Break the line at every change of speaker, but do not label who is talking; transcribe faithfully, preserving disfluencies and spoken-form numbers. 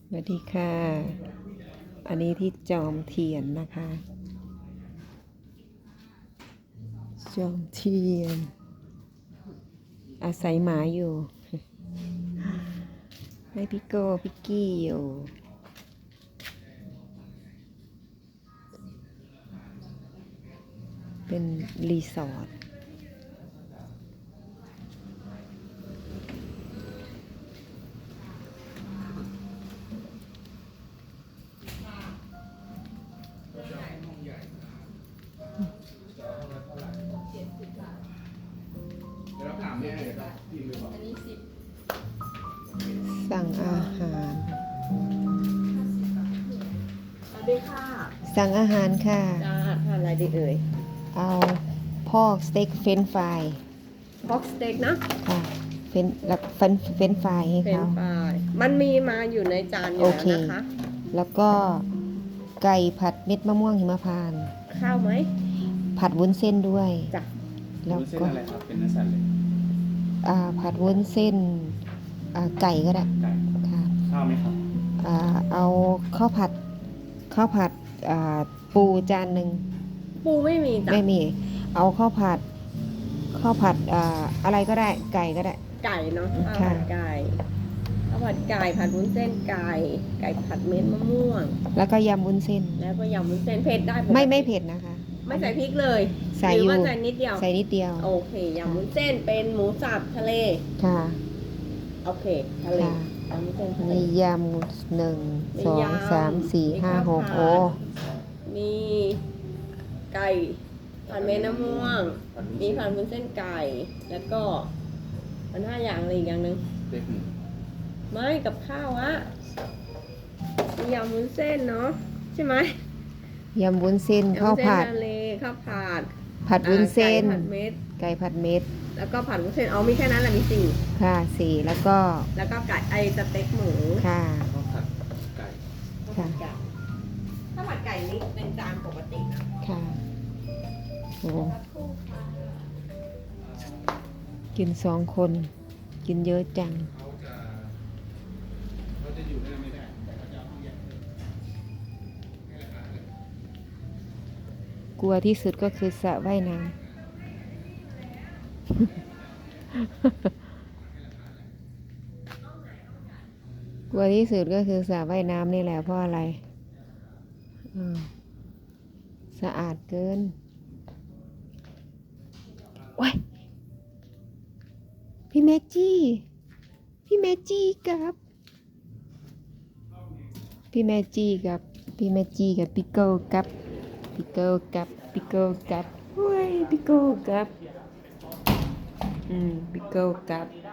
สวัสดีค่ะ อันนี้ที่จอมเทียนนะคะ จอมเทียน อาศัยหมาอยู่ ให้พี่โก้พี่กี้อยู่ เป็นรีสอร์ทสั่งอาหาร
สวัสดีค่ะ
สั่งอาหารค่ะ
จ้าทานอะไรดีเอ่ย
เอาพอกสเต็กเฟรนช์ฟราย
พ็อกสเต็กนะ
ค่ะเฟรนแล้วเฟรนเฟรนช์ฟรายให้
เป็น
เขา
ปลายมันมีมาอยู่ในจานอ
โอยู่
แล้ว
เค
นะคะ
แล้วก็ไก่ผัดเม็ดมะม่วงหิมพานต์
ข้าวไหม
ผัดวุ้นเส้นด้วย
จ้ะ
แล้ว
วุ้นเส้น
ก็
อะไรครับ เป็นเนื้อสัตว์เลย
อ่าผัดวุ้นเส้นอ่าไก่ก็ได้
ไก่
ค่ะ
ข้าวไหมครับ
อ่าเอาข้าวผัดข้าวผัดอ่าปูจานหนึ่ง
ปูไม่มีจ้ะ
ไม่มี เอาข้าวผัดข้าวผัดอ่าอะไรก็ได้ไก่ก็ได้
ไก่เนาะข้าว
ค่ะ
ผัดไก่ข้าวผัดไก่ผัดวุ้นเส้นไก่ ไก่ผัดเม็ดมะม่วง
แล้วก็ยำวุ้นเส้น
แล้วก็ยำวุ้นเส้นเผ็ดได้ปกติ
ไม่ไม่เผ็ดนะคะ
ไม่ใส่พริกเลย
ใส่
หรือ
อยู่
ว่าใส่นิดเดียว
ใส่นิดเดียว
โอเคยำวุ้นเส้นเป็นหมูสับทะเล
ค่ะ
โอเคทะเล
ค่ะ
ยำวุ้นเส้นทะเล
มียำหนึ่ง
มี
สอง
ยำ
สามสี่
มี
ห้า
ข้าว
หก
ผัด
โอ้
มีไก่ผัดเม็ดมะม่วง
ผัดวุ้น
มี
เส้น
ผัดวุ้นเส้นไก่ แล้วก็มันห้าอย่างอะไรอีกอย่างหนึ่ง
เล็กหนึ่ง
ไม่กับข้าวอะมียำวุ้นเส้นเนาะใช่ไหม
ยำวุ้นเส้น
ยำ
ข้าว
วุ้นเส้น
ผัด
ทะเลข้าวผัด
ผัดวุ้นเส้น
อ่าไก่ผัดเม็ด
ไก่ผัดเม็ด
แล้วก็ผัดวุ้นเส้นอ๋อมีแค่นั้นแหละมีสี่
ค่ะสี่แล้วก็
แล้วก็ไก่ไอสเต็กหมู
ค่ะ
ข้าวผัดไก่
ข้าวผัดไก่ข้าวผัดไก่นี่เป็นจานปกตินะ
ค่ะโอ้กินสองคน กินเยอะจัง
เขาจะเขาจะอยู่ได้ไม่ได้แต่เขาจะเอาห้องใหญ่ให้ราคาเลย
กลัวที่สุดก็คือสระว่ายน้ำ กลัวที่สุดก็คือสระว่ายน้ำนี่แหละเพราะอะไรอืมสะอาดเกินโอ้ยพี่เมจี้ พี่เมจี้กับ พี่เมจี้กับ พี่เมจี้กับพี่โก้กับพี่โก้กับพี่โก้กับเฮ้ยพี่โก้กับ อืมพี่โก้กับ